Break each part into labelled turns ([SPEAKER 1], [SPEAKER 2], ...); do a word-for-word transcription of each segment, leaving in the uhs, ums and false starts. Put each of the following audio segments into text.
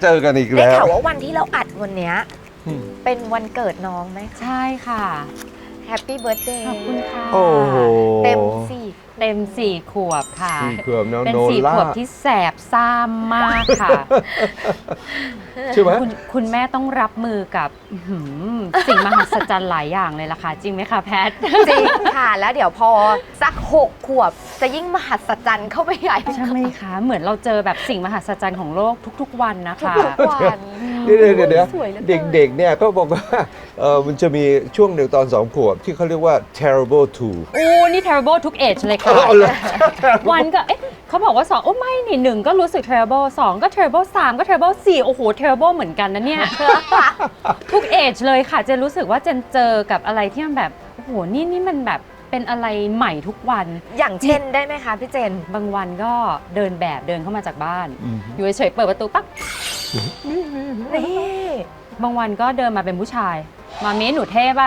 [SPEAKER 1] เจอกันอีก
[SPEAKER 2] ได้
[SPEAKER 1] แล้ว
[SPEAKER 2] ข่าวว่าวันที่เราอัดวันเนี้ยเป็นวันเกิดน้องไหม
[SPEAKER 3] ใช่ค่ะ
[SPEAKER 2] แฮปปี้เบิร์ดเดย์
[SPEAKER 3] ขอบคุณค่ะ
[SPEAKER 1] โอ้โห
[SPEAKER 2] เต็มสี่
[SPEAKER 3] เต็มสี่ขวบค่ะ
[SPEAKER 1] สี่ขวบน้อง
[SPEAKER 3] เป็น
[SPEAKER 1] โน
[SPEAKER 3] สี่
[SPEAKER 1] ล่า
[SPEAKER 3] ขวบที่แสบซ่ามมากค่ะ
[SPEAKER 1] ใช่ไหม
[SPEAKER 3] คุณคุณแม่ต้องรับมือกับอื้อหือสิ่งมหัศจรรย์หลายอย่างเลยล่ะค่ะ จริงไหมคะแพท
[SPEAKER 2] จริงค่ะ แล้วเดี๋ยวพอสักหกขวบจะยิ่งมหัศจรรย์เข้าไปใหญ่
[SPEAKER 3] ใช่ไหมคะ เหมือนเราเจอแบบสิ่งมหัศจรรย์ของโลกทุกๆวันนะคะ
[SPEAKER 2] ทุกวัน
[SPEAKER 1] เดี๋ยวเดี๋ยวเดี๋ยว
[SPEAKER 2] สวยหลือกิน
[SPEAKER 1] เด็กๆเนี่ยก็บอกว่าเออมันจะมีช่วงหนึ่งตอนสองขวบที่เขาเรียกว่า terrible two
[SPEAKER 3] โอ้นี่ terrible ทุก age เลยค่ะ
[SPEAKER 1] เอาเลย
[SPEAKER 3] วันก็ เอ๊ะเขาบอกว่าสองโอ้ไม่นี่หนึ่งก็รู้สึก terrible สองก็ terrible สามก็ terrible สี่โอ้โห terrible เหมือนกันนะเนี่ย ทุก age เลยค่ะ เจนรู้สึกว่าเจนเจอกับอะไรที่มันแบบ โอ้โห นี่นี่มันแบบเป็นอะไรใหม่ทุกวัน
[SPEAKER 2] อย่างเช่นได้ไหมคะพี่เจน
[SPEAKER 3] บางวันก็เดินแบบเดินเข้ามาจากบ้าน
[SPEAKER 1] อืม
[SPEAKER 3] อยู่เฉยๆเปิดประตูปั๊บ
[SPEAKER 2] นี่
[SPEAKER 3] บางวันก็เดินมาเป็นผู้ชาย มามีหนูเท่ป่ะ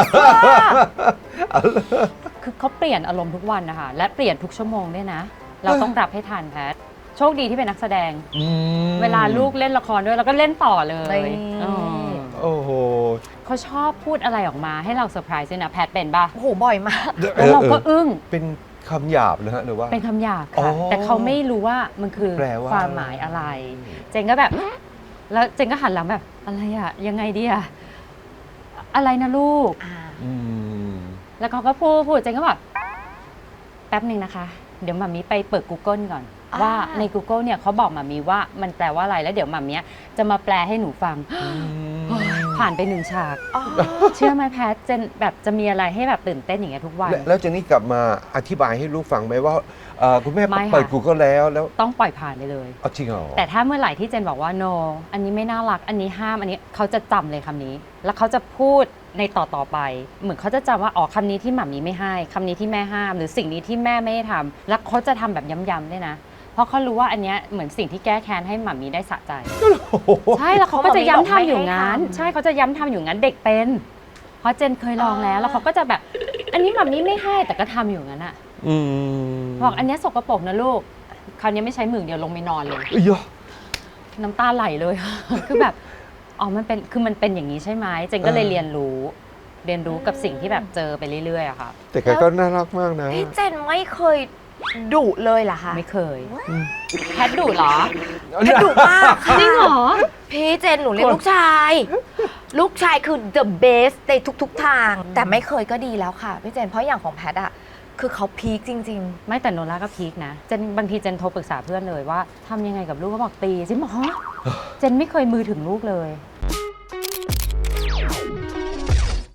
[SPEAKER 3] คือเขาเปลี่ยนอารมณ์ทุกวันนะคะ และเปลี่ยนทุกชั่วโมงด้วยนะ เราต้องรับให้ทันแพท โชคดีที่เป็นนักแสดง
[SPEAKER 1] อืม
[SPEAKER 3] เวลาลูกเล่นละครด้วยเราก็เล่นต่อเลย
[SPEAKER 2] นี่
[SPEAKER 3] เออ
[SPEAKER 1] โอ้โห
[SPEAKER 3] เขาชอบพูดอะไรออกมาให้เราเซอร์ไพรส์ด้วยนะแพทเป็นป่ะ
[SPEAKER 2] โอ้โหบ่อยมาก
[SPEAKER 3] แล้วเราก็อึ้ง
[SPEAKER 1] เป็นคำหยาบนะฮะหรือว่า
[SPEAKER 3] เป็นคำหยาบ
[SPEAKER 1] อ๋อ
[SPEAKER 3] ค่ะ แต่เขาไม่รู้ว่ามันคือ
[SPEAKER 1] แปลว่า
[SPEAKER 3] ความหมายอะไร เจนก็แบบ แล้วเจนก็หันหลังแบบ อะไรอะยังไงดีอะอะไรนะลูก
[SPEAKER 2] อ่า
[SPEAKER 1] อืม
[SPEAKER 3] แล้วเขาก็พูดพูดเจนก็แบบแป๊บหนึ่งนะคะ เดี๋ยวหมามีไปเปิด Google ก่อน
[SPEAKER 2] อ่า
[SPEAKER 3] ว่าใน Google เนี่ยเขาบอกหมามีว่ามันแปลว่าอะไรแล้วเดี๋ยวหมามีจะมาแปลให้หนูฟัง ผ่านไปหนึ่งฉาก
[SPEAKER 2] อ๋อ
[SPEAKER 3] เชื่อไหมแพทเจนแบบจะมีอะไรให้แบบตื่นเต้นอย่างเงี้ยทุกวัน
[SPEAKER 1] แล้วแล้วเจนนี่กลับมาอธิบายให้ลูกฟังไหมว่าเอ่อคุณแม่
[SPEAKER 3] ไม่ค่ะ
[SPEAKER 1] เปิด Google แล้วแล้ว
[SPEAKER 3] ต้องปล่อยผ่านไปเลย
[SPEAKER 1] เอาจริงเหรอ
[SPEAKER 3] แต่ถ้าเมื่อไหร่ที่เจนบอกว่า no อันนี้ไม่น่ารัก อันนี้ห้าม อันนี้เขาจะจำเลยคำนี้ แล้วเขาจะพูดในต่อต่อไป เหมือนเขาจะจำว่า อ๋อคำนี้ที่หมามีไม่ให้ คำนี้ที่แม่ห้าม หรือสิ่งนี้ที่แม่ไม่ให้ทำแล้วเขาจะทำแบบย้ำๆด้วยนะ เพราะเขารู้ว่าอันเนี้ยเหมือนสิ่งที่แก้แค้นให้หมามีได้สะใจ ใช่ แล้วเขาก็จะย้ำทำอยู่งั้น ใช่เขาจะย้ำทำอยู่งั้นเด็กเป็น เพราะเจนเคยลองแล้ว แล้วเขาก็จะแบบ อันนี้หมามีไม่ให้ แต่ก็ทำอยู่งั้นอะ
[SPEAKER 1] อืม
[SPEAKER 3] บอกอันเนี้ยสกปรกนะลูก คราวนี้ไม่ใช้มือเดียวลงไปนอนเลย
[SPEAKER 1] เอ้ยยะ
[SPEAKER 3] น้ำตาไหลเลย คือแบบ อ๋อ มันเป็น คือมันเป็นอย่างนี้ใช่ไหม เจนก็เลย
[SPEAKER 1] เออ
[SPEAKER 3] เรียนรู้ เรียนรู้กับสิ่งที่แบบเจอไปเรื่อยๆอะค่ะ
[SPEAKER 1] แต่แกก็น่ารักมากนะ
[SPEAKER 2] พี่เจนไม่เคยดุเลยเหรอคะ
[SPEAKER 3] ไม่เคย
[SPEAKER 1] อืม
[SPEAKER 3] แพทดุเหรอ
[SPEAKER 2] แพทดุมากค่ะ
[SPEAKER 3] จริงเหรอ
[SPEAKER 2] พี่เจนหนูเรียกลูกชาย ลูกชายคือ the best ในทุกๆทาง แต่ไม่เคยก็ดีแล้วค่ะพี่เจน เพราะอย่างของแพทอะคือเขาพีคจริง
[SPEAKER 3] ไม่แต่โนล่าก็พีคนะ เจนบางทีเจนโทรปรึกษาเพื่อนเลยว่าทำยังไงกับลูกก็บอกตีเจนบอกฮะเจนไม่เคยมือถึงลูกเลย